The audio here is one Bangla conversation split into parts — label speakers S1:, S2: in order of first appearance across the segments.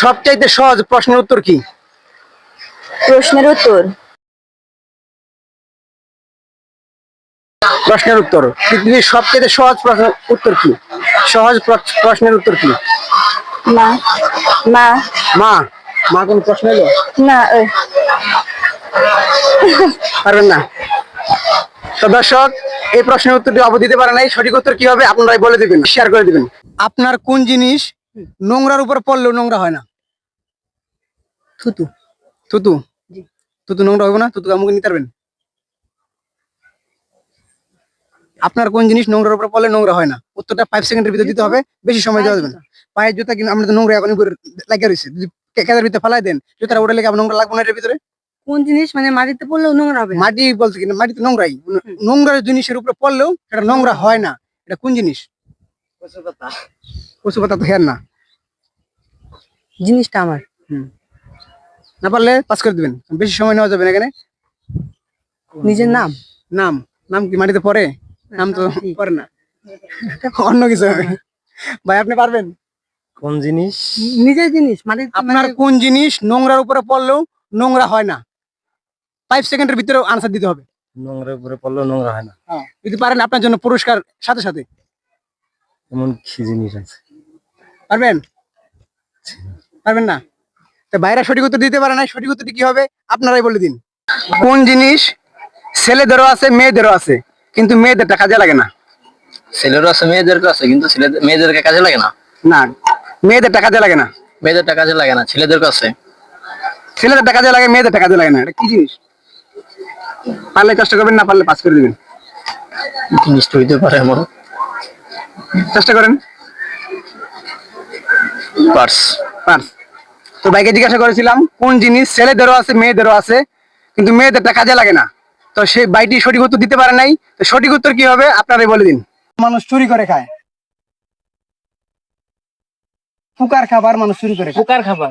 S1: সবচাইতে সহজ প্রশ্নের উত্তর কি?
S2: প্রশ্নের উত্তর
S1: প্রশ্নের উত্তর পৃথিবীর সবচাইতে সহজ প্রশ্নের উত্তর কি? সহজ প্রশ্নের উত্তর কি?
S2: মা মা
S1: মা। মা কোন প্রশ্ন এলো?
S2: না
S1: পারবেন না। তো দর্শক, এই প্রশ্নের উত্তরটি অবধি দিতে পারে নাই, সঠিক উত্তর কি হবে আপনারাই বলে দিবেন, শেয়ার করে দিবেন। আপনার কোন জিনিস নোংরার উপর পড়লেও নোংরা হয় না? থুতু। থুতু? থুতু নোংরা হবে না? থুতু আমাকে নিতে পারবেন? আপনার কোন জিনিস নোংরার উপর পড়লে নোংরা হয় না? উত্তরটা 5 সেকেন্ডের ভিতরে দিতে হবে, বেশি সময় দেওয়া যাবে না। পায়ের জুতা, কিন্তু আমরা তো নোংরা এখন লাগিয়ে রয়েছে, যদি কেদার ভিতরে ফালাই দেন জুতাটা ওটা লেগে নোংরা লাগবে না এর ভিতরে?
S2: কোন জিনিস মানে মাটিতে পড়লেও নোংরা হবে?
S1: মাটি বলতে কিনা, মাটি তো নোংরাই, নোংরা জিনিসের উপরে পড়লেও সেটা নোংরা হয় না, এটা কোন জিনিস? কচু পাতা তো হেয়ার না।
S2: জিনিসটা আমার
S1: না পারলে পাস করে দিবেন, বেশি সময় নেওয়া যাবে না এখানে।
S2: নিজের নাম।
S1: নাম? নাম কি মাটিতে পড়ে? নাম তো পড়ে না, অন্য কিছু হবে। ভাই আপনি পারবেন?
S3: কোন জিনিস?
S2: নিজের জিনিস মানে
S1: আপনার কোন জিনিস নোংরার উপরে পড়লেও নোংরা হয় না? 5 সেকেন্ডের ভিতরে আনসার দিতে হবে।
S3: নোংরার উপরে পড়লেও নোংরা হয় না,
S1: যদি পারেন আপনার জন্য পুরস্কার সাথে সাথে।
S3: এমন কি জিনিস আছে?
S1: পারবেন? পারবেন না? তো ভাইরা সঠিক উত্তর দিতে পারে না, সঠিক উত্তরটি কি হবে আপনারাই বলে দিন। কোন জিনিস ছেলেদেরও আছে মেয়েদেরও আছে, কিন্তু মেয়েদেরটা কাজে লাগে না?
S4: ছেলেরও আছে মেয়েদেরকে আছে, কিন্তু মেয়েদেরকে কাজে লাগে না।
S1: না, মেয়েদেরটা কাজে লাগে না।
S4: মেয়েদেরটা কাজে লাগে না, ছেলেদেরকে আছে।
S1: ছেলেদেরটা কাজে লাগে, মেয়েদেরটা কাজে লাগে না, এটা কি জিনিস? পারলে চেষ্টা করবেন, না পারলে পাস করে দিবেন।
S4: জিনিসটা হইতে পারে এমন।
S1: চেষ্টা করেন।
S4: পার্স।
S1: পার্স। তো ভাইকে জিজ্ঞাসা করেছিলাম কোন জিনিস ছেলেদেরও আছে মেয়েদেরও আছে, কিন্তু মেয়েদেরটা কাজে লাগে না। তো সেই ভাইটি সঠিক উত্তর দিতে পারে নাই, তো সঠিক উত্তর কি হবে আপনারাই বলে দিন। মানুষ চুরি করে খায়। ফুকার খাবার মানুষ চুরি করে খায়।
S2: পোকার খাবার।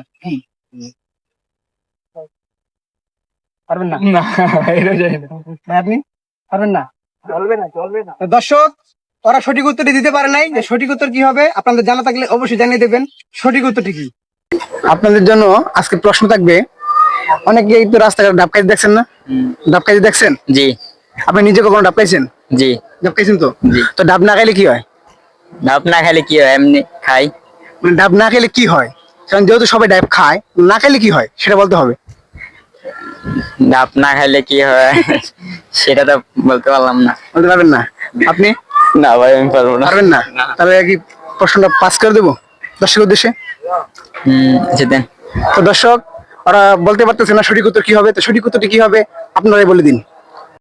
S1: পারবেন না?
S2: না এটা জানি না।
S1: ভাই আপনি পারবেন না?
S2: চলবে না।
S1: তো দর্শক, ওরা সঠিক উত্তরটি দিতে পারে নাই, যে সঠিক উত্তর কি হবে আপনাদের জানা থাকলে অবশ্যই জানিয়ে দেবেন সঠিক উত্তরটি কি। আপনাদের জন্য আজকে প্রশ্ন থাকবে। অনেকেই তো রাস্তাঘাটে ডাব খাইতে দেখছেন না? ডাব খাইতে দেখছেন?
S4: জি
S1: আপনি নিজে কখনো ডাব খাইছেন?
S4: জি।
S1: ডাব খাইছেন তো?
S4: জি।
S1: তো ডাব না খাইলে কি হয়?
S4: ডাব না খাইলে কি হয়? এমনি খাই।
S1: মানে ডাব না খেলে কি হয়, কারণ যেহেতু সবাই ডাব খায়, না খাইলে কি হয় সেটা বলতে হবে।
S4: ডাব না খাইলে কি হয় সেটা তো বলতে পারলাম না।
S1: বলতে পারবেন না? আপনি
S4: না ভাই, আমি পারবো না।
S1: পারবেন না? তাহলে কি প্রশ্নটা পাস করে দেবো দর্শকের উদ্দেশ্যে?
S4: আচ্ছা দেন।
S1: তো দর্শক, ওরা বলতে পারতেছে না সঠিক উত্তর কি হবে, তো সঠিক উত্তরটি কি হবে আপনারাই বলে দিন।